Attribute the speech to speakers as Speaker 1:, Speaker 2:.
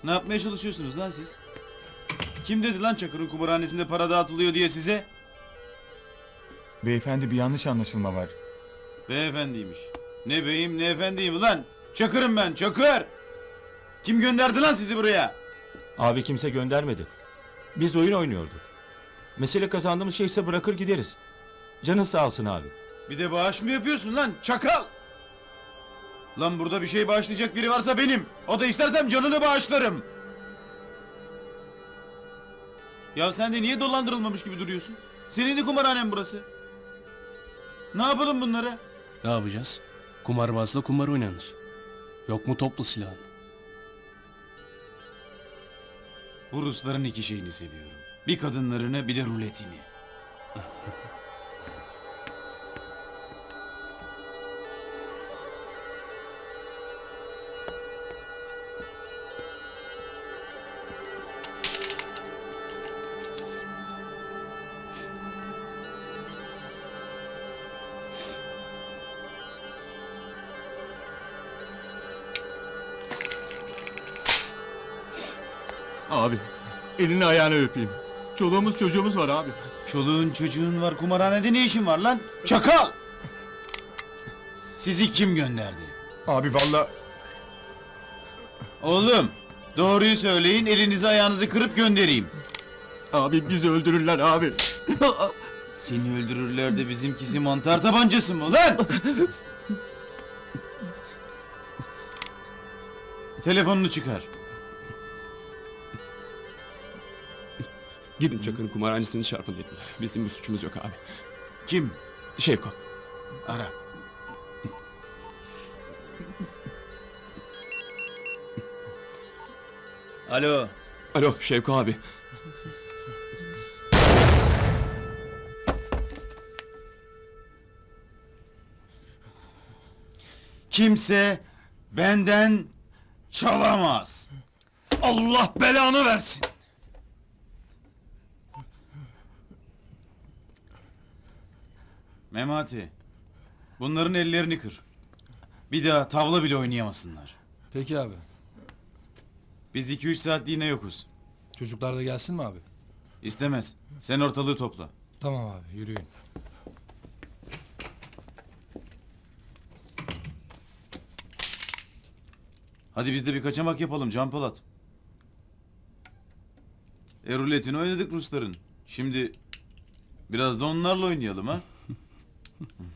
Speaker 1: Ne yapmaya çalışıyorsunuz lan siz? Kim dedi lan Çakır'ın kumarhanesinde para dağıtılıyor diye size?
Speaker 2: Beyefendi bir yanlış anlaşılma var.
Speaker 1: Beyefendiymiş. Ne beyim ne efendiyim lan? Çakır'ım ben, Çakır! Kim gönderdi lan sizi buraya?
Speaker 3: Abi kimse göndermedi. Biz oyun oynuyorduk. Mesele kazandığımız şeyse bırakır gideriz. Canın sağ olsun abi.
Speaker 1: Bir de bağış mı yapıyorsun lan çakal? Lan burada bir şey bağışlayacak biri varsa benim. O da istersem canını bağışlarım. Ya sen de niye dolandırılmamış gibi duruyorsun? Senin de kumarhanen burası. Ne yapalım bunlara?
Speaker 4: Ne yapacağız? Kumarbazla kumar oynanır. Yok mu toplu silahın?
Speaker 1: Bu Rusların iki şeyini seviyorum. Bir kadınlarını bir de ruletini.
Speaker 2: Abi elini ayağını öpeyim. Çoluğumuz çocuğumuz var abi.
Speaker 1: Çoluğun çocuğun var, kumarhanede ne işin var lan? Çakal! Sizi kim gönderdi?
Speaker 2: Abi valla
Speaker 1: Oğlum, doğruyu söyleyin, elinizi ayağınızı kırıp göndereyim.
Speaker 2: abi bizi öldürürler abi.
Speaker 1: Seni öldürürler de bizimkisi mantar tabancası mı lan? Telefonunu çıkar.
Speaker 5: Gidin Çakır'ın kumarhanesini çarpın dediler. Bizim bir suçumuz yok abi.
Speaker 1: Kim?
Speaker 5: Şevko.
Speaker 1: Ara. Alo.
Speaker 5: Alo Şevko abi.
Speaker 1: Kimse benden çalamaz.
Speaker 4: Allah belanı versin!
Speaker 1: Memati, bunların ellerini kır. Bir daha tavla bile oynayamasınlar.
Speaker 6: Peki abi.
Speaker 1: Biz 2-3 saatliğine yokuz.
Speaker 6: Çocuklar da gelsin mi abi?
Speaker 1: İstemez. Sen ortalığı topla.
Speaker 6: Tamam abi, yürüyün.
Speaker 1: Hadi biz de bir kaçamak yapalım Can Polat. Ruletini oynadık Rusların. Şimdi biraz da onlarla oynayalım ha.